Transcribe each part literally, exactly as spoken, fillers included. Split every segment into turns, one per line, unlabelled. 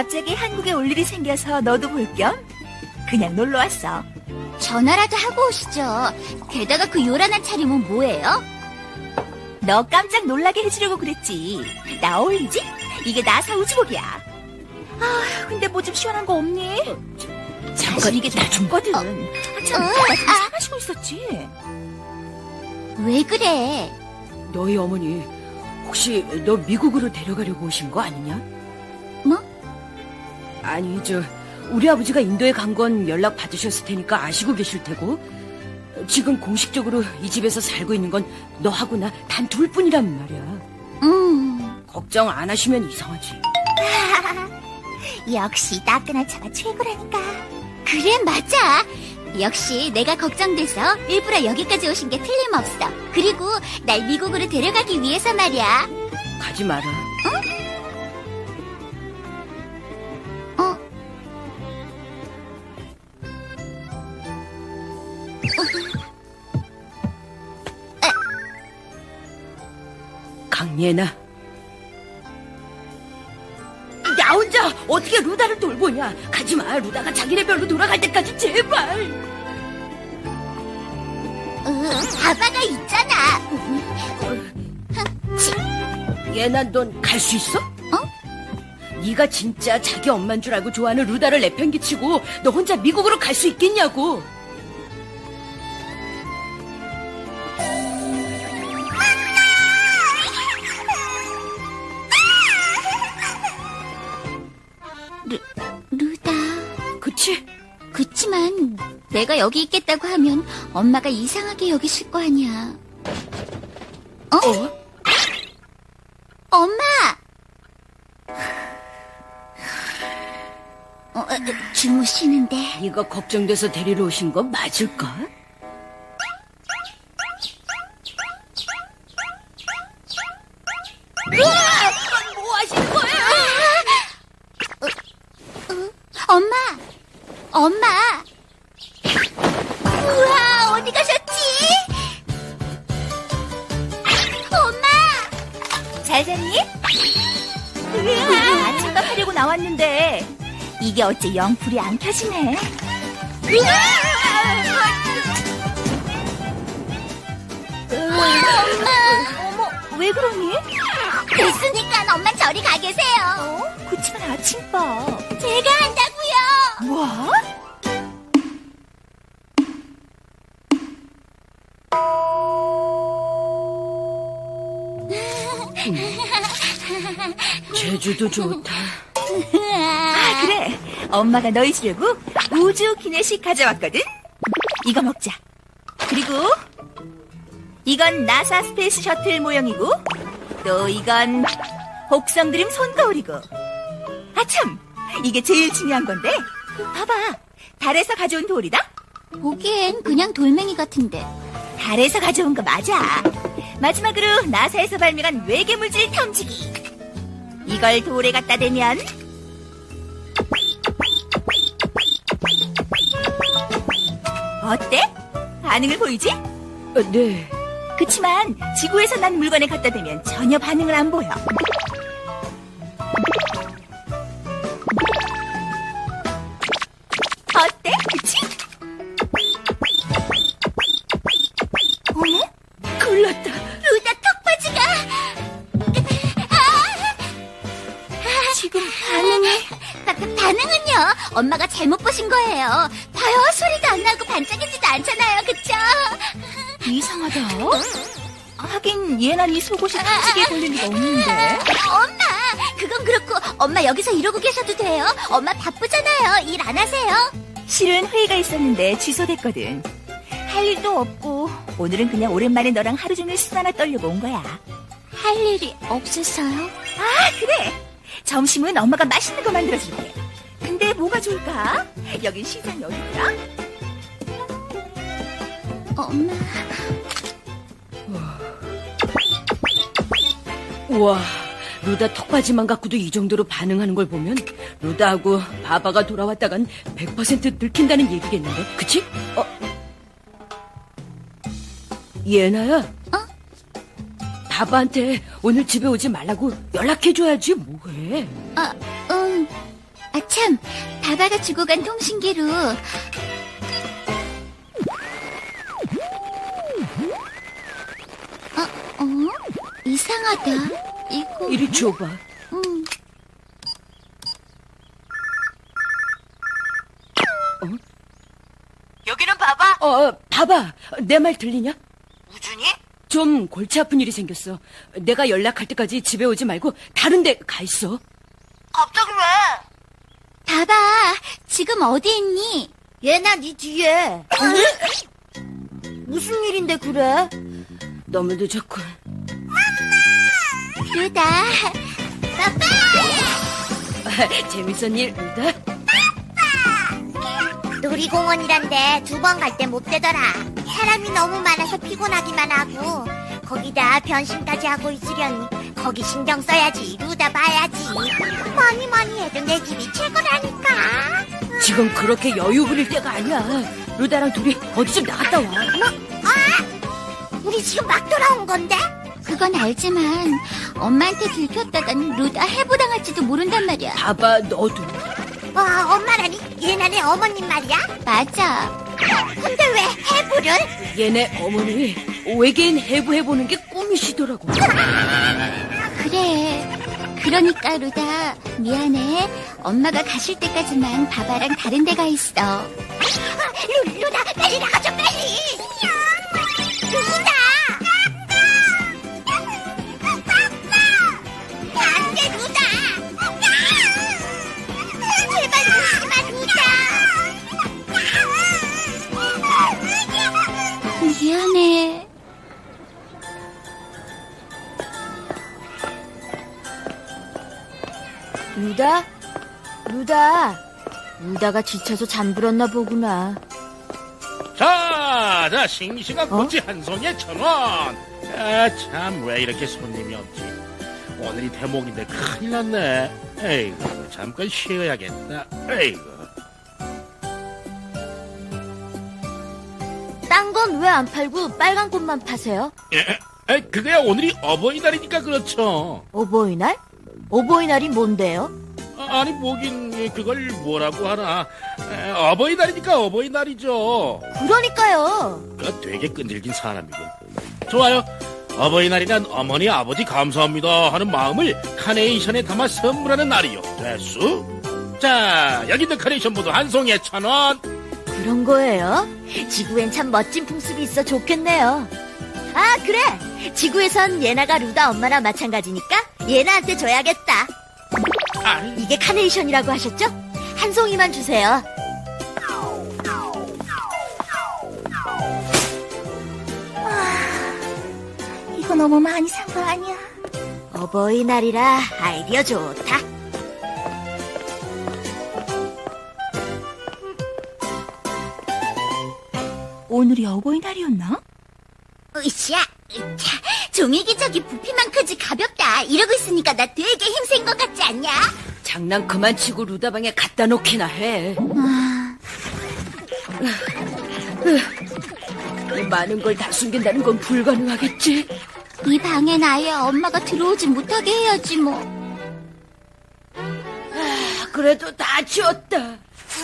갑자기 한국에 올 일이 생겨서 너도 볼 겸 그냥 놀러 왔어.
전화라도 하고 오시죠. 게다가 그 요란한 차림은 뭐예요?
너 깜짝 놀라게 해주려고 그랬지. 나 어울리지? 이게 나사 우주복이야. 아, 근데 뭐 좀 시원한 거 없니? 사실 이게 다 줬거든. 아, 참,
어,
나 좀 사가시고 있었지.
왜 그래?
너희 어머니 혹시 너 미국으로 데려가려고 오신 거 아니냐?
뭐?
아니 저 우리 아버지가 인도에 간 건 연락 받으셨을 테니까 아시고 계실 테고 지금 공식적으로 이 집에서 살고 있는 건 너하고 나 단 둘뿐이란 말이야.
음,
걱정 안 하시면 이상하지.
역시 따끈한 차가 최고라니까. 그래, 맞아. 역시 내가 걱정돼서 일부러 여기까지 오신 게 틀림없어. 그리고 날 미국으로 데려가기 위해서 말이야.
가지 마라.
어?
강예나. 나 혼자 어떻게 루다를 돌보냐. 가지마. 루다가 자기네 별로 돌아갈 때까지 제발.
으, 바바가 있잖아.
예나 넌 갈 수 있어?
어?
네가 진짜 자기 엄만 줄 알고 좋아하는 루다를 내팽개치고 너 혼자 미국으로 갈 수 있겠냐고.
루, 루다.
그치?
그치만 내가 여기 있겠다고 하면 엄마가 이상하게 여기실 거 아니야. 어?
어?
엄마! 어, 어, 주무시는데.
네가 걱정돼서 데리러 오신 거 맞을까? 으아! 뭐 하시는 거예요?
엄마! 엄마! 우와, 어디 가셨지? 엄마!
잘 잤니? 아침밥 하려고 나왔는데 이게 어째 영 불이 안 켜지네. 어머, 왜 그러니?
됐으니까 엄마 저리 가 계세요.
어? 그치만 아침밥.
제가 한다고요.
뭐?
제주도 좋다.
아, 그래. 엄마가 너희 주려고 우주 기내식 가져왔거든. 이거 먹자. 그리고 이건 나사 스페이스 셔틀 모형이고 또 이건 복성 드림 손거울이고. 아참, 이게 제일 중요한 건데. 봐봐. 달에서 가져온 돌이다.
보기엔 그냥 돌멩이 같은데.
달에서 가져온 거 맞아. 마지막으로 나사에서 발명한 외계물질 탐지기. 이걸 돌에 갖다 대면 어때? 반응을 보이지?
어, 네.
그치만 지구에서 난 물건에 갖다 대면 전혀 반응을 안 보여. 어때? 그치? 어머?
골랐다.
루다 턱받이가.
지금 반응이
바, 바, 반응은요? 엄마가 잘못 보신 거예요. 봐요, 소리도 안 나고 반짝이지도 않잖아요, 그쵸?
이상하다. 하긴 얘는 이 속옷이 탐지기에 걸릴 리가 없는데.
엄마, 그건 그렇고 엄마 여기서 이러고 계셔도 돼요. 엄마 바쁘잖아요. 일 안 하세요?
실은 회의가 있었는데 취소됐거든. 할 일도 없고 오늘은 그냥 오랜만에 너랑 하루 종일 수다나 떨려고 온 거야.
할 일이 없어서요?
아, 그래. 점심은 엄마가 맛있는 거 만들어줄게. 근데 뭐가 좋을까? 여긴 시장이 어디더라?
엄마.
우와, 루다 턱받이만 갖고도 이 정도로 반응하는 걸 보면 루다하고 바바가 돌아왔다간 백 퍼센트 늙힌다는 얘기겠는데, 그치? 어? 예나야?
어?
바바한테 오늘 집에 오지 말라고 연락해줘야지, 뭐해.
아, 응. 아, 참. 바바가 주고 간 통신기로. 어, 어? 이상하다. 이거.
이리 줘봐.
음.
여기는 봐봐.
어, 봐봐. 내 말 들리냐?
우준이?
좀 골치 아픈 일이 생겼어. 내가 연락할 때까지 집에 오지 말고 다른 데 가 있어.
갑자기 왜?
바바, 지금 어디 있니?
얘나 네 뒤에. 무슨 일인데 그래?
너무 늦었군.
루다.
재밌었니, 루다?
놀이공원이란데 두 번 갈 때 못 되더라. 사람이 너무 많아서 피곤하기만 하고 거기다 변신까지 하고 있으려니 거기 신경 써야지. 루다 봐야지. 뭐니 뭐니 해도 내 집이 최고라니까.
지금 그렇게 여유 부릴 때가 아니야. 루다랑 둘이 어디 좀 나갔다 와.
우리 지금 막 돌아온 건데? 그건 알지만 엄마한테 들켰다간 루다 해부당할지도 모른단 말이야.
봐봐, 너도.
와, 엄마라니? 얘네 내 어머님 말이야? 맞아. 근데 왜 해부를?
얘네 어머니 외계인 해부해보는 게 꿈이시더라고.
그래. 그러니까 루다 미안해. 엄마가 가실 때까지만 바바랑 다른 데 가 있어. 루, 루다 빨리 나가줘 빨리. 루다. 안돼 루다. 제발 울지마 루다. 미안해.
루다? 루다? 루다가 지쳐서 잠들었나 보구나.
자, 자, 싱싱한 꼬치 한 송이에 천 원. 아, 참, 왜 이렇게 손님이 없지? 오늘이 대목인데 큰일 났네. 에이구, 잠깐 쉬어야겠다. 에이구.
딴 건 왜 안 팔고 빨간 꽃만 파세요?
에, 에, 그거야 오늘이 어버이날이니까 그렇죠.
어버이날? 어버이날이 뭔데요?
아, 아니, 뭐긴, 그걸 뭐라고 하나. 에, 어버이날이니까 어버이날이죠.
그러니까요.
그 되게 끈질긴 사람이군. 좋아요. 어버이날이란 어머니, 아버지 감사합니다 하는 마음을 카네이션에 담아 선물하는 날이요. 됐수? 자, 여기 있는 카네이션 모두 한 송이에 천 원.
그런 거예요? 지구엔 참 멋진 풍습이 있어 좋겠네요. 아, 그래! 지구에선 예나가 루다 엄마랑 마찬가지니까 예나한테 줘야겠다.
아,
이게 카네이션이라고 하셨죠? 한 송이만 주세요.
이거 너무 많이 산 거 아니야?
어버이날이라 아이디어 좋다. 오늘이 어버이날이었나?
으쌰, 으차, 종이기저귀 부피만 크지 가볍다. 이러고 있으니까 나 되게 힘센 것 같지 않냐?
장난 그만 치고 루다 방에 갖다 놓기나 해.
아,
이 많은 걸 다 숨긴다는 건 불가능하겠지.
이 방엔 아예 엄마가 들어오지 못하게 해야지 뭐.
아, 그래도 다 치웠다.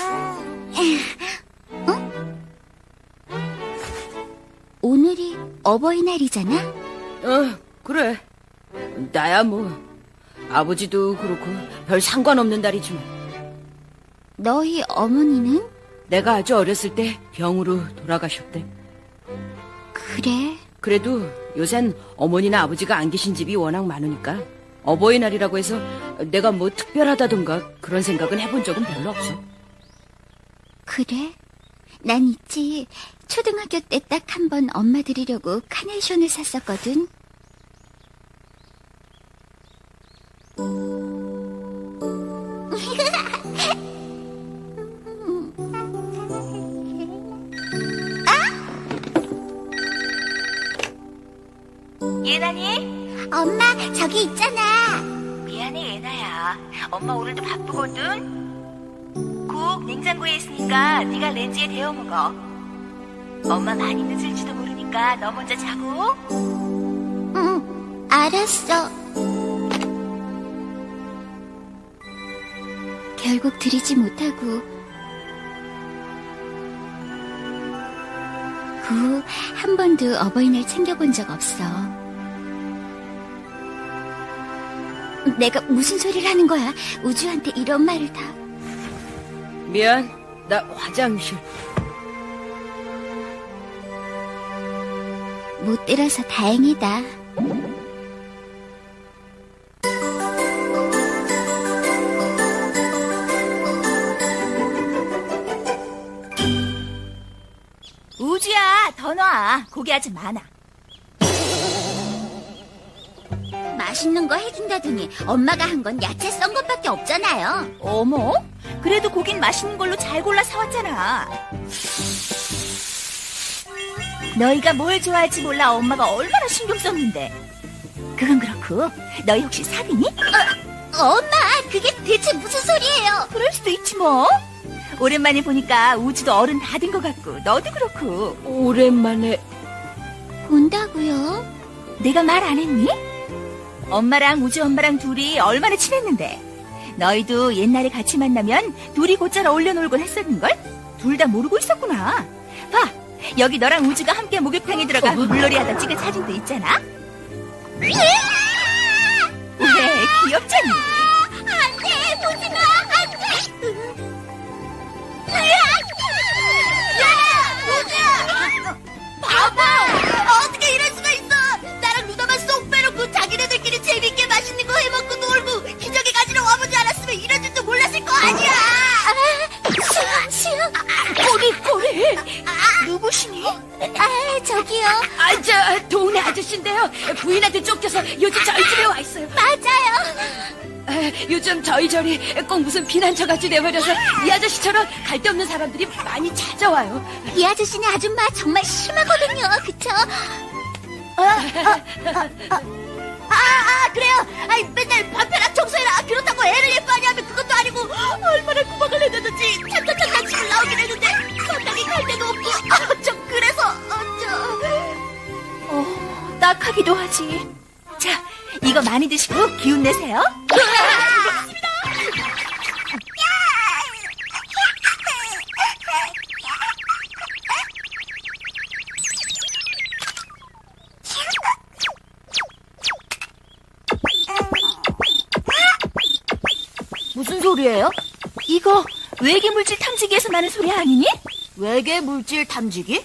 오늘이 어버이날이잖아?
어, 그래. 나야 뭐. 아버지도 그렇고 별 상관없는 날이지만.
너희 어머니는?
내가 아주 어렸을 때 병으로 돌아가셨대.
그래.
그래도 요샌 어머니나 아버지가 안 계신 집이 워낙 많으니까 어버이날이라고 해서 내가 뭐 특별하다던가 그런 생각은 해본 적은 별로 없어.
그래? 난 있지. 초등학교 때 딱 한 번 엄마 드리려고 카네이션을 샀었거든.
예나니?
엄마, 저기 있잖아.
미안해, 예나야. 엄마 오늘도 바쁘거든. 국 냉장고에 있으니까 네가 렌즈에 데워 먹어. 엄마 많이 늦을지도 모르니까 너 먼저 자고.
응, 알았어.
결국 드리지 못하고 그 후 한 번도 어버이날 챙겨본 적 없어. 내가 무슨 소리를 하는 거야? 우주한테 이런 말을 다.
미안, 나 화장실.
못 들어서 다행이다. 우주야, 더 놔. 고기 아직 많아. 맛있는 거 해준다더니 엄마가 한 건 야채 썬 것밖에 없잖아요. 어머? 그래도 고긴 맛있는 걸로 잘 골라 사왔잖아. 너희가 뭘 좋아할지 몰라 엄마가 얼마나 신경 썼는데. 그건 그렇고 너희 혹시 사귀니? 어, 엄마, 그게 대체 무슨 소리예요? 그럴 수도 있지 뭐. 오랜만에 보니까 우주도 어른 다 된 것 같고 너도 그렇고.
오랜만에
본다고요? 내가 말 안 했니? 엄마랑 우주 엄마랑 둘이 얼마나 친했는데. 너희도 옛날에 같이 만나면 둘이 곧잘 어울려 놀곤 했었는걸? 둘 다 모르고 있었구나. 봐, 여기 너랑 우주가 함께 목욕탕에 들어가 물놀이 하다 찍은 사진도 있잖아. 왜? 귀엽잖니? 안돼, 보지마, 안돼. 바보! 어떻게 이럴 수가 있어! 나랑 루다만 쏙 빼놓고 자기네들끼리 재밌게 맛있는 거 해먹고 놀고 기저귀 가지러 와보지 않았으면 이런 줄도 몰랐을 거 아니야! 수영, 수영! 꼬리, 꼬리! 누구시니? 아, 저기요.
아, 저 동네 아저씨인데요. 부인한테 쫓겨서 요즘 저희 집에 와 있어요.
맞아요.
아, 요즘 저희 절이 꼭 무슨 피난처같이 돼버려서 이 아저씨처럼 갈데없는 사람들이 많이 찾아와요.
이 아저씨네 아줌마 정말 심하거든요, 그쵸? 아, 아, 아, 아, 아, 그래요. 아이, 맨날 밥해라, 청소해라. 그렇다고 애를 예뻐하냐 하면 그것도 아니고 얼마나 구박을 해대든지 참참참참 집을 나오긴 했는데 마땅히 갈 데도 없고 아, 좀 그래서 어, 저... 어, 딱하기도 하지. 자, 이거 많이 드시고 기운 내세요. 무슨 소리예요? 이거 외계 물질 탐지기에서 나는 소리 아니니? 외계 물질 탐지기?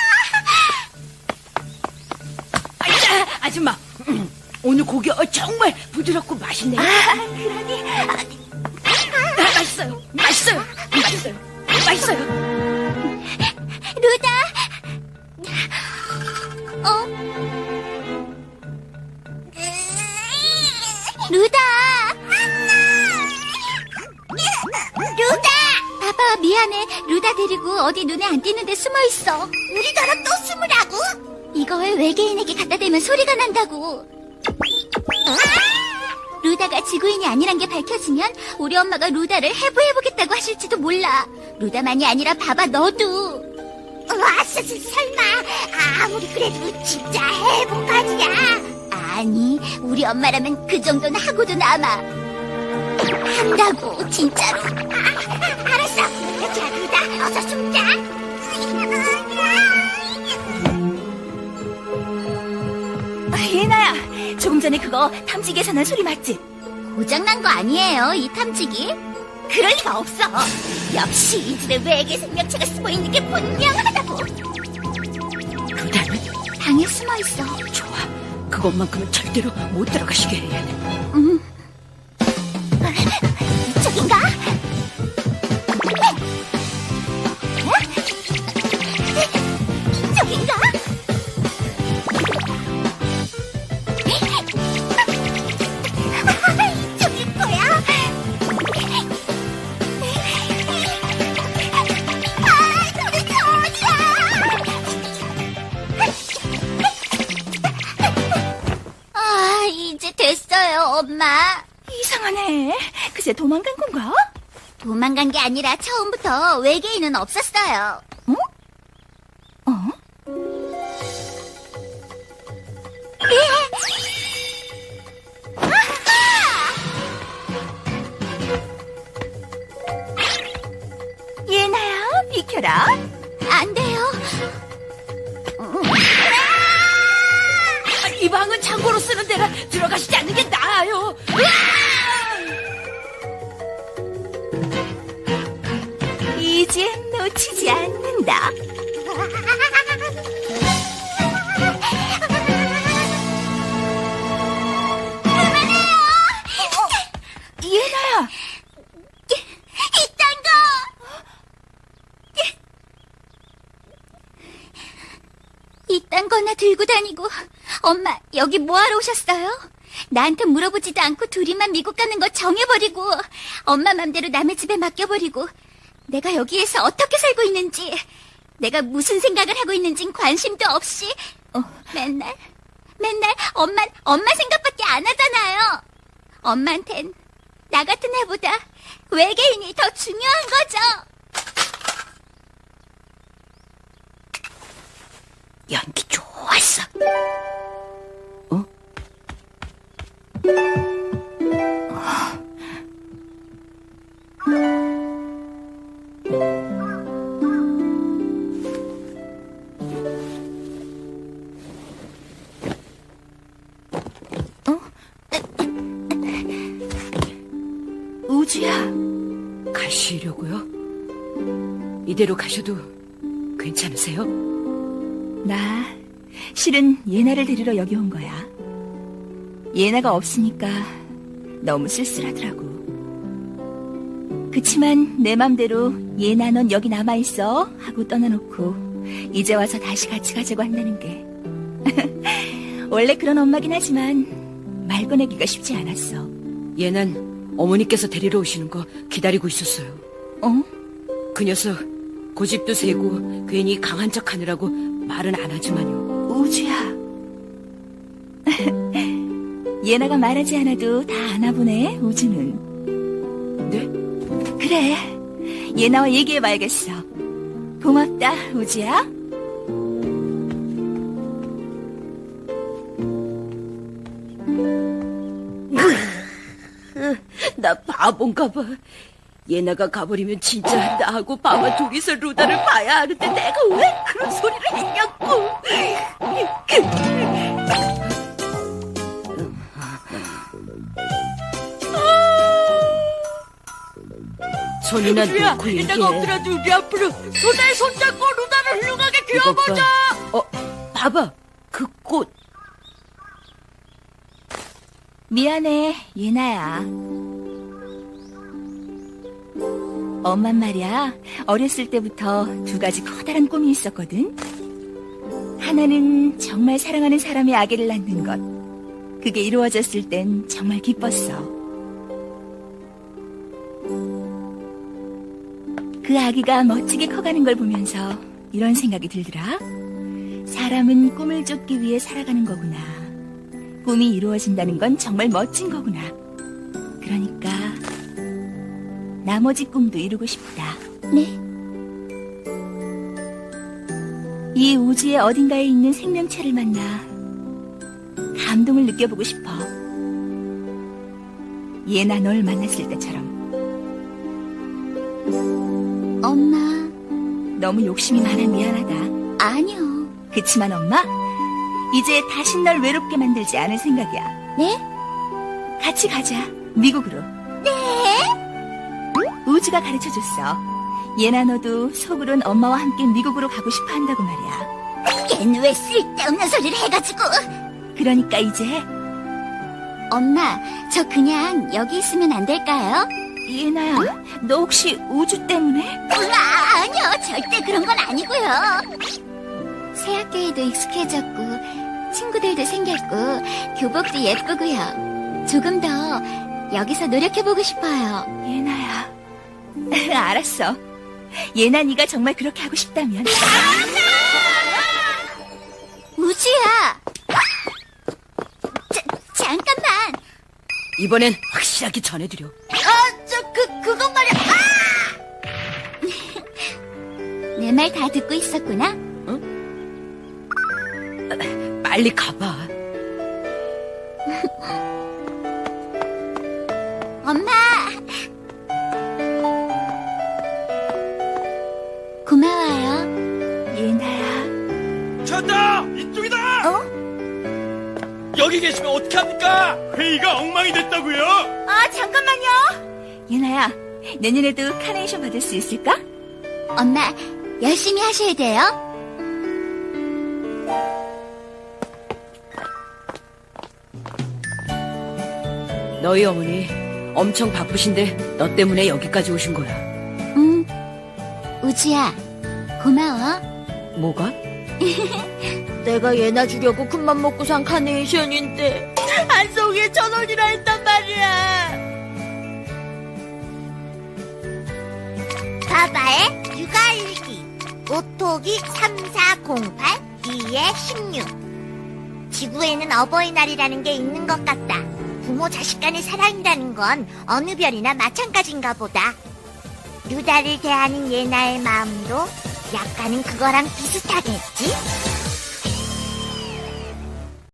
아이자, 아줌마. 음, 오늘 고기 어, 정말 부드럽고 맛있네요.
아, 그러니
아, 맛있어요. 맛있어요. 맛있어요. 맛있어요.
루다. 어? 루다. 루다. 아빠 미안해. 루다 데리고 어디 눈에 안 띄는데 숨어 있어. 우리더러 또 숨으라고? 이걸 외계인에게 갖다 대면 소리가 난다고. 루다가 지구인이 아니란 게 밝혀지면 우리 엄마가 루다를 해부해보겠다고 하실지도 몰라. 루다만이 아니라 봐봐, 너도. 와, 설마 아무리 그래도 진짜 해부까지야? 아니, 우리 엄마라면 그 정도는 하고도 남아. 한다고, 진짜로. 아, 알았어. 자, 루다, 어서 숨자. 예나야, 조금 전에 그거 탐지기에서 난 소리 맞지? 고장난 거 아니에요, 이 탐지기? 그럴 리가 없어. 역시 이 집에 외계 생명체가 숨어있는 게 분명하다고.
루다는?
방에 숨어있어.
좋아. 그것만큼은 절대로 못 들어가시게 해야 돼.
음. 이쪽인가? 이쪽인가? 이쪽일 거야. 아, 도대체 어디야? 아, 이제 됐어요, 엄마. 이상하네. 글쎄 도망간 건가? 도망간 게 아니라 처음부터 외계인은 없었어요. 어? 어?
방은 창고로 쓰는 데라 들어가시지 않는 게 나아요.
이젠 놓치지 않는다. 예나야,
이딴 거! 이딴 거나 들고 다니고. 엄마, 여기 뭐하러 오셨어요? 나한테 물어보지도 않고 둘이만 미국 가는 거 정해버리고, 엄마 맘대로 남의 집에 맡겨버리고, 내가 여기에서 어떻게 살고 있는지, 내가 무슨 생각을 하고 있는진 관심도 없이, 어, 맨날, 맨날 엄마, 엄마 생각밖에 안 하잖아요. 엄마한텐 나 같은 애보다 외계인이 더 중요한 거죠.
연기 좋았어.
어?
우주야,
가시려고요? 이대로 가셔도 괜찮으세요?
나 실은 예나를 데리러 여기 온 거야. 예나가 없으니까 너무 쓸쓸하더라고. 그치만 내 맘대로 예나 넌 여기 남아있어 하고 떠나놓고 이제 와서 다시 같이 가자고 한다는 게 원래 그런 엄마긴 하지만 말 꺼내기가 쉽지 않았어.
얘는 어머니께서 데리러 오시는 거 기다리고 있었어요.
어?
그 녀석 고집도 세고 괜히 강한 척 하느라고 말은 안 하지만요.
우주야. 예나가 말하지 않아도 다 아나 보네, 우주는.
네?
그래, 예나와 얘기해봐야겠어. 고맙다, 우주야.
나 바본가 봐. 예나가 가버리면 진짜 나하고 바바 둘이서 루다를 봐야 하는데 내가 왜 그런 소리를 했냐고. 손이나 놓고 얘기해.
이따가 엎드려도 우리 앞으로 손에 손잡고 루다를 훌륭하게
귀여보자. 어, 봐봐. 그 꽃.
미안해, 예나야. 엄만 말이야, 어렸을 때부터 두 가지 커다란 꿈이 있었거든. 하나는 정말 사랑하는 사람의 아기를 낳는 것. 그게 이루어졌을 땐 정말 기뻤어. 그 아기가 멋지게 커가는 걸 보면서 이런 생각이 들더라. 사람은 꿈을 쫓기 위해 살아가는 거구나. 꿈이 이루어진다는 건 정말 멋진 거구나. 그러니까 나머지 꿈도 이루고 싶다.
네?
이 우주의 어딘가에 있는 생명체를 만나 감동을 느껴보고 싶어. 예나 널 만났을 때처럼.
엄마,
너무 욕심이 많아 미안하다.
아니요.
그치만 엄마, 이제 다신 널 외롭게 만들지 않을 생각이야.
네?
같이 가자, 미국으로.
네?
우주가 가르쳐줬어. 예나 너도 속으론 엄마와 함께 미국으로 가고 싶어 한다고 말이야.
걘 왜 쓸데없는 소리를 해가지고.
그러니까 이제
엄마, 저 그냥 여기 있으면 안 될까요?
예나야, 너 혹시 우주 때문에?
우와, 아니요. 절대 그런 건 아니고요. 새 학교에도 익숙해졌고 친구들도 생겼고 교복도 예쁘고요. 조금 더 여기서 노력해보고 싶어요.
예나야. 알았어. 예나 네가 정말 그렇게 하고 싶다면.
우주야. 자, 잠깐만.
이번엔 확실하게 전해드려.
아, 저, 그, 그건 말이야. 내 말 다 듣고 있었구나.
빨리 가봐.
엄마. 고마워요.
예나야.
찾다! 이쪽이다!
어?
여기 계시면 어떡합니까? 회의가 엉망이 됐다고요?
아, 잠깐만요. 유나야, 내년에도 카네이션 받을 수 있을까?
엄마, 열심히 하셔야 돼요.
너희 어머니 엄청 바쁘신데 너 때문에 여기까지 오신 거야.
응. 우지야, 고마워.
뭐가?
내가 얘나 주려고 큰맘 먹고 산 카네이션인데 한 송이에 천 원이라 했단 말이야. 바바의 육아일기 오토기 삼사공팔 이에 십육. 지구에는 어버이날이라는 게 있는 것 같다. 부모 자식 간의 사랑이라는 건 어느 별이나 마찬가지인가 보다. 루다를 대하는 예나의 마음도 약간은 그거랑 비슷하겠지?